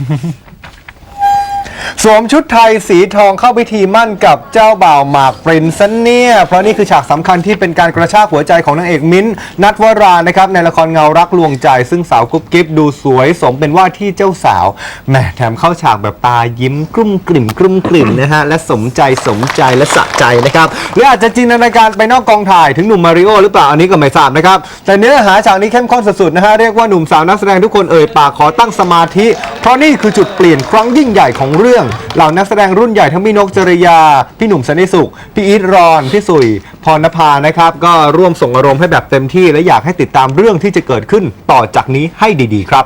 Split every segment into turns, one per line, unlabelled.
สวมชุดไทยสีทองเข้าพิธีมั่นกับเจ้าบ่าวหมากปรินซ์ซะเนี่ยเพราะนี่คือฉากสำคัญที่เป็นการกระชากหัวใจของนางเอกมิ้นท์นัทวรานะครับในละครเงารักลวงใจซึ่งสาวกุ๊บกิ๊บดูสวยสมเป็นว่าที่เจ้าสาวแหมแถมเข้าฉากแบบตายิ้มกลุ้มกลิ่มนะฮะและสมใจและสะใจนะครับหรืออาจจะจินตนาการไปนอกกองถ่ายถึงหนุ่มมาริโอหรือเปล่าอันนี้ก็ไม่ทราบนะครับแต่เนื้อหาฉากนี้เข้มข้นสุดๆนะฮะเรียกว่าหนุ่มสาวนักแสดงทุกคนเอ่ยปากขอตั้งสมาธิเพราะนี่คือจุดเปลี่ยนครั้งยิ่งใหญ่ของเรื่องเหล่านักแสดงรุ่นใหญ่ทั้งพี่นกจริยาพี่หนุ่มสันติสุขพี่อีทรอนพี่สุยพรณภานะครับก็ร่วมส่งอารมณ์ให้แบบเต็มที่และอยากให้ติดตามเรื่องที่จะเกิดขึ้นต่อจากนี้ให้ดีๆครับ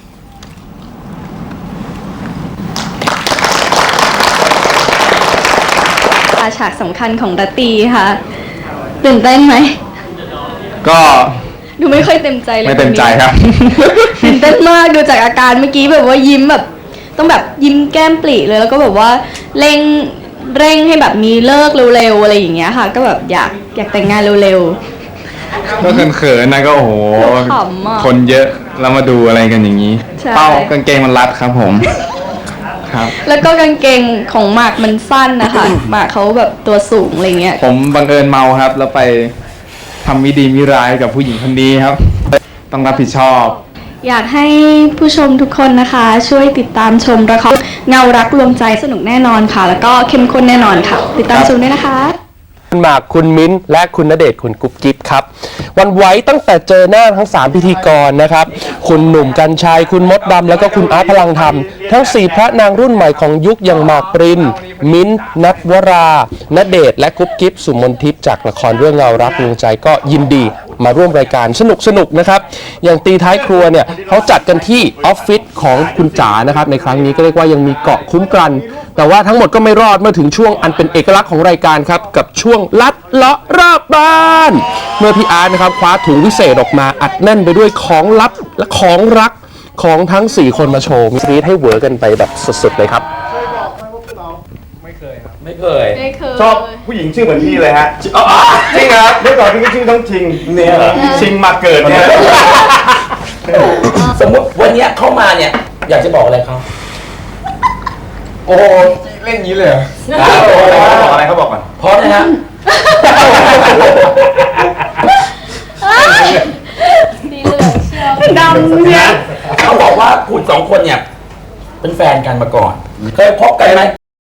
ฉากสำคัญของรัตตีค่ะตื่นเต้นไหม
ก็
ดูไม่ค่อยเต็มใจเลย
ไม่เต็มใจครับ
ตื่นเต้นมากดูจากอาการเมื่อกี้แบบว่ายิ้มแบบต้องแบบยิ้มแก้มปริเลยแล้วก็แบบว่าเร่งให้แบบมีเลิกเร็วๆอะไรอย่างเงี้ยค่ะก็แบบอยากแต่งงานเร็ว
ๆก็เขินๆนะก็โอ้โหคนเยอะแล้วมาดูอะไรกันอย่างนี้เป้ากางเกงมันรัดครับผมครับ
แล้วก็กางเกงของหมากมันสั้นนะคะหมากเขาแบบตัวสูงอะไรเงี้ย
ผมบังเอิญเมาครับแล้วไปทำมิดีมิร้ายกับผู้หญิงคนนี้ครับต้องรับผิดชอบ
อยากให้ผู้ชมทุกคนนะคะช่วยติดตามชมละครเงารักลวงใจสนุกแน่นอนค่ะแล้วก็เข้มข้นแน่นอนค่ะติดตามชมด้วยนะคะ
คุณหมากคุณมิ้นท์และคุณณเดชน์คุณกุ๊บกิ๊บครับวันไว้ตั้งแต่เจอหน้าทั้ง3พิธีกรนะครับคุณหนุ่มกรรชัยคุณมดดำแล้วก็คุณอาร์ตพลังธรรมทั้ง4พระนางรุ่นใหม่ของยุคอย่างหมากปรินมิ้นท์นัทวราณเดชน์และกุ๊บกิ๊บสุมนทิพย์จากละครเรื่องเงารักลวงใจก็ยินดีมาร่วมรายการสนุกนะครับอย่างตีท้ายครัวเนี่ยเขาจัดกันที่ออฟฟิศของคุณจ๋านะครับในครั้งนี้ก็เรียกว่ายังมีเกาะคุ้มกันแต่ว่าทั้งหมดก็ไม่รอดเมื่อถึงช่วงอันเป็นเอกลักษณ์ของรายการครับกับช่วงลัดเลาะรอบบ้านเมื่อพี่อาร์ตนะครับคว้าถุงวิเศษออกมาอัดแน่นไปด้วยของลับและของรักของทั้ง4คนมาโชว์มีให้เวอร์กันไปแบบสุดๆเลยครับ
ไม่เคย
ชอบผู้หญิงชื่อเหมือนพี่เลยฮะจริงครับเมื่อก่อนพี่ก็ชื่อต้องชิงเนี่ยชิงมาเกิดเนี่ย
สมมติวันนี้เข้ามาเนี่ยอยากจะบอกอะไรเขา
โอ้เล่นงี้เลยบอกอะไรเขาบอกก่อน
พร้อมนะฮะ
ดีเลยเชียวดำเนี่ย
เขาบอกว่าคุณ2 คนเนี่ยเป็นแฟนกันมาก่อนเคยพบกันไหม